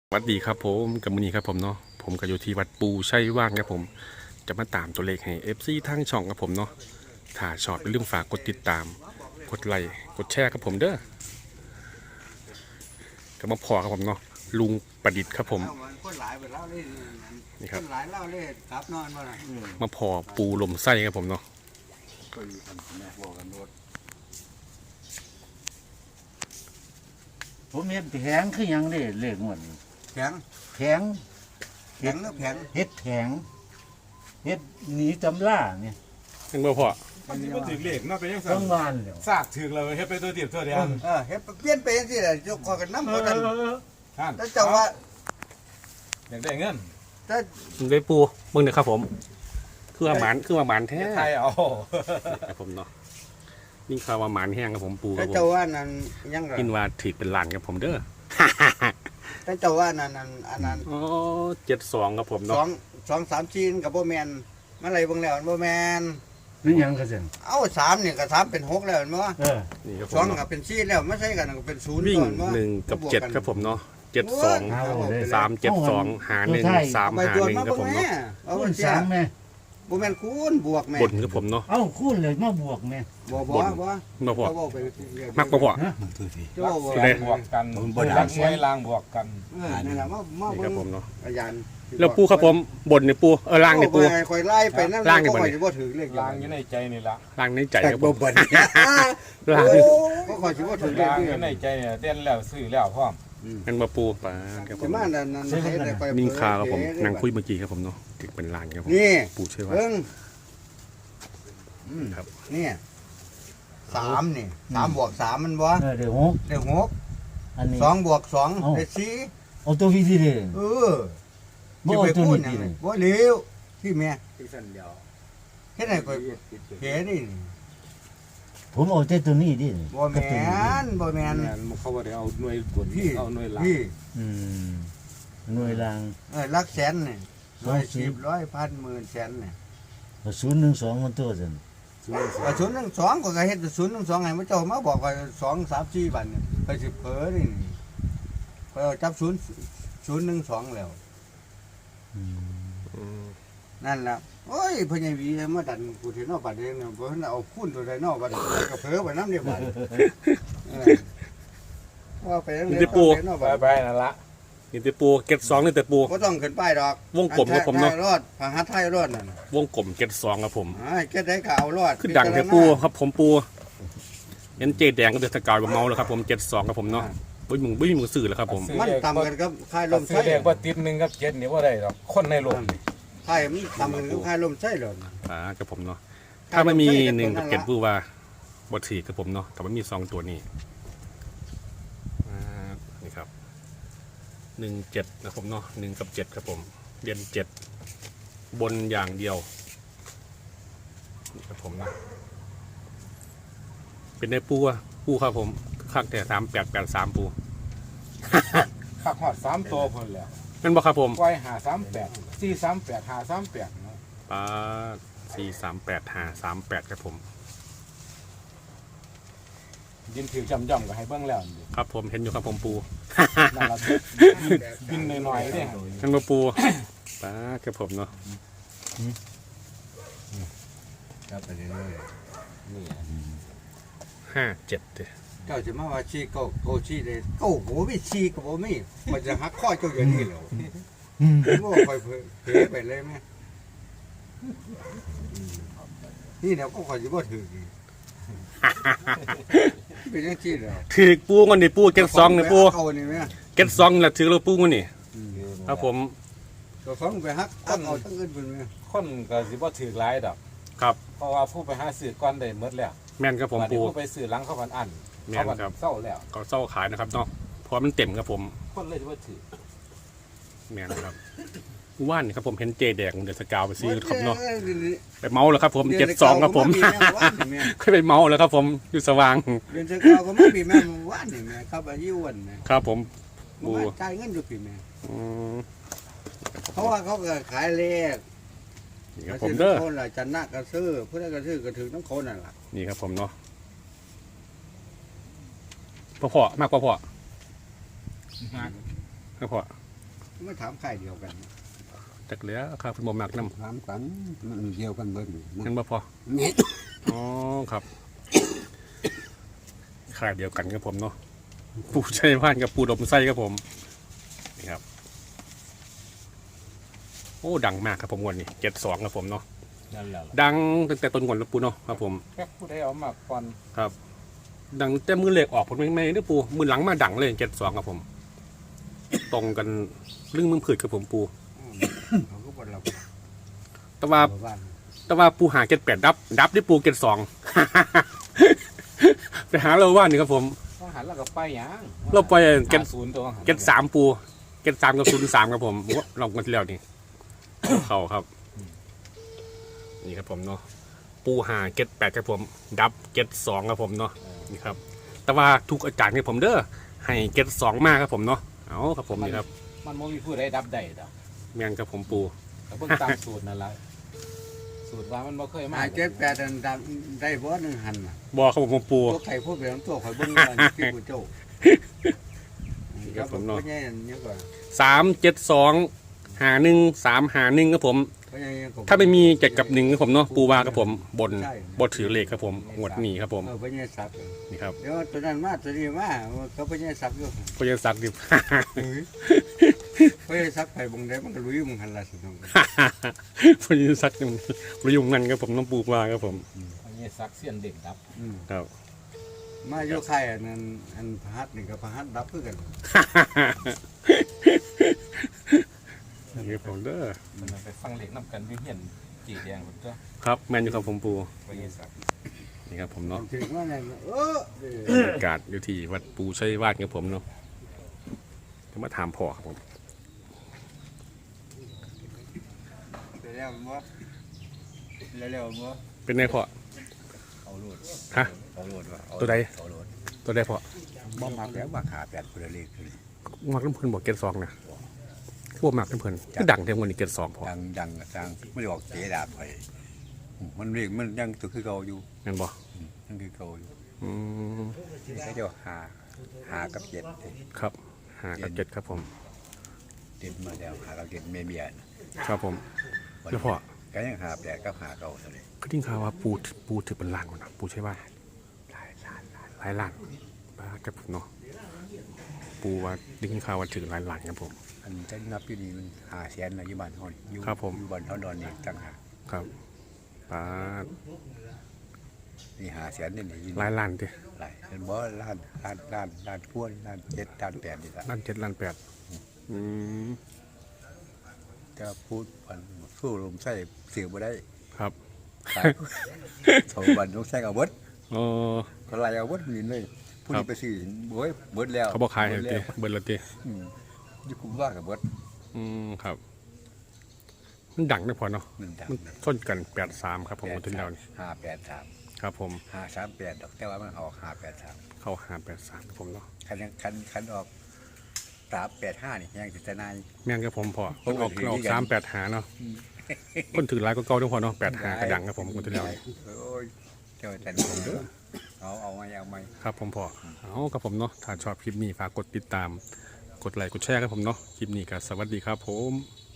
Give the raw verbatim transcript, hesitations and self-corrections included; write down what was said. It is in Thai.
วัดดีครับผมกับมือนี้ครับผมเนาะผมก็อยู่ที่วัดปูชัยว่างครับผมจะมาตามตัวเลขให้ เอฟ ซี ทางช่องครับผมเนาะถ้าชอบเป็นเรื่องฝากกดติดตามกดไลค์กดแชร์ครับผมเด้อก็มาพอครับผมเนาะลุงประดิษฐ์ครับผมนี่ครับมาพอปูลมไส้ครับผมเนาะผมเห็นแผงคือหยังได้เลขหมดแผงแผงแผงหรือแผงเฮ็ดแผงเฮ็ดหนีตำล่าเนี่ยยังบ่พอมันสิบ่ถึงเลขเนาะเป็นจังซั่ต้นองวานแล้วซากถึกแล้วเฮ็ดไปตัวเดียวตัวเดียวเออเฮ็ดเปลี่ยนไปจังซี่แหละยกคอกันนำบ่กันท่านแล้วเจ้าว่าอยากได้เงินถ้าได้ปูมึงเนี่ยครับผมคือว่าหมานคือว่าหมานแท้ไทยเอาครับผมเนาะนี่ข่าวว่าหมานแห้งครับผมปูคถ้ารับผเจ้าม ว่านั่นยังล่ะกินว่าถือเป็นล้านครับผมเด้อถ้าเจ้าว่านั่นนั่นอันนั้นอ๋อเจ็ดสองครับผมสอเนาะงสองสามจีนกับบ่แม่นมาไล่เบิ่งแล้วมันบ่แม่นนี่หยังก็ซั่นเอ้าสามนี่ก็สามเป็นหกแล้วเห็นบ่เออนี่ครับผสองมก็เนาะเป็นสี่แล้วไม่ใช่กันก็เป็นศูนย์วิ่งก่อนบ่หนึ่งกับเจ็ดครับผมเนาะเจ็ดสองเอาเลยสามเจ็ดสองหาหนึ่งสามไปหาตรวจหนึ่งมาครับเบิ่งผมแม่เนาะเอาคูเบิ่ณงเสียสามแม่บ่แม่นคูณบวกแม่บนครับผมเนาะเอ้าคูณเลยมาบวกแม่บ่บ่บนบ่มาพอเขาบอกไปเรื่อยๆมักมาพอฮะเจ้าบ่แรงบวกกันรักไว้ลางบวกกันเออนั่นล่ะมามานี่เบิ่ครับงผมเนาะอาจารย์แล้วปูครับผมบนเนี่ยปูเออล่างเนี่ยปูโอ้ยคอยไล่ไปนั่นล่างนี่ก็บ่คนี่อยสิบ่ถือเลขลางอยู่ในใจนี่ละล่างในใจครับผมบ่นล่างก็คอยสิบ่ถือเลขลางนี่อยู่ในใจเนี่ยเต้นแล้วซื้อแล้วพร้อมกันมาปูปาครับผสิมมานั่นนั่นให้ได้ไปนิ่งคาครับผมนั่งคุยเมื่อกี้ครับผมเนาะติดเป็นลานครับผมนี่ปูเชื่อว่าเบิ่งอืมครับนี่สามนี่สามบวกสามมันบ่เออเดี๋ยวหกได้หกอันนี้สองบวกสองเอ้าได้สี่เอาตัวพี่ที่เด้เออบ่สิเอาไปตัวพูดนี้หยังที่ไงเด้บ่เร็วที่แม่อีกสันเดียวเฮ็ดให้คอยเฮ็ดนี่ผมเอาแต่ตัวนี้ดิบ่แม่นบ่แม่นแม่นเขาบ่ได้เอาหน่วยบนพี่เอาหน่วยหลังพี่อืมหน่วยรางเออหลักแสนนี่สร้ออง ยสิสิบบร้อยพันหมื่นแสนนี่ศูนย์หนึ่งสองมันตัวซั่นกระสุนหนึ่งสองก็กระเฮ็ดกระสุนหนึ่งสองให้มันเจ้ามาบอกว่าสองสามสี่บันเนี่ยไปสิเผลอนี่ไปเอาจับศูนย์ศูนย์หนึ่งสองแล้วอืมอืมนั่นแหละโอ้ยพญาวีมาดันกูที่นอกบัดเองเนี่ยเพราะฉะนั้นเอาคุ้นตัวใดนอกบัดก็เผลอไปน้ำเดียวบัดเออว่าไปนั่นเลยนอกไปบัดไปนั่นละนี่แต่ปูเก็ดสองนี่แต่ปูก็ต้องขึ้นป้ายดอกวงกลมครับผมเนาะรอดผาหัดไทยรอดนั่นวงกลมเก็ดสองครับผมไอ้แค่ได้ก็เอารอดขึ้นดังแต่ปูครับผมปูเอ็นเจแดงก็เดือดสกาวเมาแล้วครับผมเจ็ดสองครับผมเนาะบุ้ยมึงบุ้ยมึงสื่อแล้วครับผมมันต่ำกันกับค่ายลมซื้อไส้เลขบ่ติดหนึ่งกับเจ็ดนี่บ่ได้หรอกคนในโลกนี่ค่ายมันต่ำกันกับค่ายลมไส้เลยอ่ากับผมเนาะถ้าไม่มีหนึ่งกับเก็ดปูว่าบทสี่กับผมเนาะแต่มันมีสองตัวนี้อ่านี่ครับหนึ่งเจ็ดนะผมเนาะหนึ่งกับเจ็ดครับผมเรียนเจ็ดบนอย่างเดียวนี่ครับผมนะเป็นในปูอะปูครับผมข้างแต่สามแปดแปดสามปูคักฮอดสามตัวพุ่นแล้วเป็นบ่ครับผมปล่อยห้าสามแปดสี่สามแปดห้าสามแปดเนาะปาสี่สามแปดห้าสามแปดครับผมยินถือจำๆก็ให้เบิ่งแล้วนี่ครับผมเห็นอยู่ครับผมปูนั่นล่ะบินหน่อยๆเด้เป็นมาปูปาครับผมเนาะครับไปเรื่อยนี่ห้าเจ็ดเด้ๆเจ้าจะมาว่าชีเก้าโกชีเลยเก้าโหไม่ชีกับโหไม่มันจะหักข้อเจ้าอย่างนี้เหรออืมผมว่าคอยเผลอไปเลยไหมนี่เดี๋ยวก็คอยจะบ่ถืออีกเป็นยังชีเหรอถือปูกันนี่ปูเก็ตซองนี่ปูเอานี่ไหมเก็ตซองนี่แหละถือเราปูกันนี่ครับผมตัวฟังไปฮักตั้งเอาตั้งอื่นเป็นไหมคนก็สิบ่ถือหลายดอกครับเพราะว่าผู้ไปหาซื้อก่อนได้หมดแล้วแม่นครับผมบัดนี้ปูผู้ไปซื้อหลังเขาพันอันแม่เขานพันครับเศร้าแล้วก็เศร้าขายนะครับเนาะเพราะมันเต็มครับผมคนเลยสิบ่ถือแม่นครับว่านนี่ครับผมเห็นเจแดงเดือดสกาวไปซื้อครับเนาะไปเมาแล้วครับผมเจ็ดสองครับผมค่อยไปเมาแล้วครับผมอยู่สว่างเดือนเช้าก็ไม่มีแม่ว่านนี่แม่ครับอายุวันนะครับผมบูปูจ่ายเงินอยู่พี่แม่อืมเพราะว่าเขาก็ขายเลขนี่ครับผมเด้อคนละจันนะกระซื้อผู้ใดกระซื้อกระถึงน้ำคนนั่นแหละนี่ครับผมเนาะพ่อพ่อมากกว่าพ่อมากกว่ามาถามค่ายเดียวกันจักเหลือครับคุณบ่มักนำถามกันมันเดียวกันเบิดนี่กันบ่พอนี่อ๋อครับค่ายเดียวกันครับผมเนาะปูชัยพานกับปูดมไส้ครับผมนี่ครับโอ้ดังมากครับผมงวดนี้เจ็ดสองครับผมเนาะนั่นแหละดังตั้งแต่ต้นงวดแล้วปูเนาะครับผมแค่ผู้ใดเอามาก่อนครับ ดังแต่มือเหล็กออกผมไม่ไม่ได้ปูมือหลังมาดังเลยเจ็ดสองครับผม ตรงกันเรื่องมึงผืดกับผมปูเขาก็บ่เราแต่ว่าบ้านแต่ว่าปูหาเจ็ดแปดดับ ดับได้ปูเจ็ดสอง ไปหาเราว่านี่ครับผมต้องหันแล้วก็ไปหยังเราไปเก็ตหาศูนย์ตัวหันเจ็ดสามปูเจ็ดสามกับศูนย์สามครับผมว่าลองกันที่แล้วนี่ เขาครับ นี่ครับผมเนาะปูหาเจ็ดแปดครับผม ดับเจ็ดสองครับผมเนาะนี่ครับ แต่ว่าทุกอาจารย์ให้ผมเด้อให้เจ็ดสองมากครับผมเนาะเอาครับผมนี่ครับมันบ่มีผู้ใดดับได้ดอกแมงครับผมปูแต่เบิ่งตามสูตรนั่นล่ะสูตรว่ามันบ่เคยมาหาเจ็ดแปดอันดับได้บ่หนึ่งหันน่ะบอกครับผมปูตัวไข่พวกเบียงตัวข่อยเบิ่งว่านี่คือผู้เจ้าครับผมเนาะพ่อใหญ่อันนี้ก่อนสามเจ็ดสองหาหนึ่งสามหาหนึ่งครับผมพ่อใหญ่ก็ถ้าไม่มีเจ็ดกับหนึ่งครับผมเนาะปูวาครับผมบนบนถือเลขครับผมงวดนี้ครับผมเออพ่อใหญ่สับนี่ครับเดี๋ยวตัวนั้นมาตัวนี้มาเขาพ่อใหญ่สับอยู่ก็ยังสักดิ บเฮ้ยพ่อใหญ่สับไปบงได้มันก็ลุยมึงหันละสิน้องพอยังสักยังประยุงกันครับผมน้องปูวาครับผมอันนี้ซักเสียนเด็กดับอืมครับมาโยกไข่อันนั้นอันพหัสนี่กับพหัสดับคือกันนี่ครับผมเด้อมันไปฟังเหล็กนํกันอยู่เฮียนจีแดงพุ่นตัวครับแมนอยู่ครับผมปูไปเฮ็ดซักนี่ครับผมเนาะถึงว่าไงเออบรรยากาศอยู่ที่วัดปูชัยวาดครับผมเนาะจะมาถามพ่อครับผมเดี๋ยวมั้งเร็วๆมั้งเป็นไงพ่อเอาโหลดฮะเอาโหลดว่ะตัวใดเอาโหลดตัวได้พ่อบ่มักแล้วว่าขาแปดคนละเลขเลยมักน้ำเพลินบอกเกตสองนะพวกมักน้ำเพลินก็ดังเท่ากันนี่เกตสองพ่อดังดังดังไม่ได้ออกเสียดาบไปมันเรียกมันยังตัวคือเก่าอยู่เห็นบ่ยังคือเก่าอยู่อืมเขาจะหาหากับเจ็ดครับหากับเจ็ดครับผมเจ็ดมาแล้วหากับเจ็ดเมียเมียนครับผม แล้วพ่อก็ยังหาแปดกับหาเก่าเท่านี้ก็ทิ้งข่าวว่าปูปูถือเป็นล้านหมดนะปูใช่ว่าหลายล้านหลายหลายล้านบ้าครับผมเนาะปูว่าได้ยินข่าวว่าถือหลายล้านครับผมอันจะนับอยู่นี่มันหาแสนนะอยู่บ้านเฮานี่อยู่ครับผมอยู่บ้านเฮาดอนนี่ต่างหากครับป้านี่หาแสนนี่นี่อยู่หลายล้านดิหลายเป็นบ่ล้านล้านล้านล้านพวนล้านเจ็ดล้านแปดนี่ละล้านเจ็ดล้านแปดอืมจะพูดวันสู้ลมใส่เสียบ่ได้ครับตายโถบันต้องใส่เอาเบิดเออก็ไล่เอาเบิดนี่เลยผู้ครันี้บไปซื้อโอ้ยเบิดแล้วเขาบอกขายเบิเห็ดนแล้ตีวเบิร์ละตีอืมอยู่คุมว่ากับเบิดอืมครับ มันดังนะพอเนาะมันดังมันส้นกันแปดสามครับผมถึงแล้วนี่ห้าแปดสามครับผมห้าสามแปดดอกแต่ว่ามันออกห้าแปดสามเข้าหาแปดสามผมเนาะคันยังคันคันออกสามแปดห้านี่ยังติดนายแม่นครับผมพอโอ้มันออกถือออกดีกันสามแปดหาเนาะคนถือหลายก็เก่าด้วยพอเนาะแปดหากระดังครับผมคนที่แล้วนี่โอ้ยเจ้าแต่ผมเด้อเอาเอามาเอามาครับผมพอเอาครับผมเนาะถ้าชอบคลิปนี้ฝากกดติดตาม กดไลค์กดแชร์ครับผมเนาะคลิปนี้ก็สวัสดีครับผม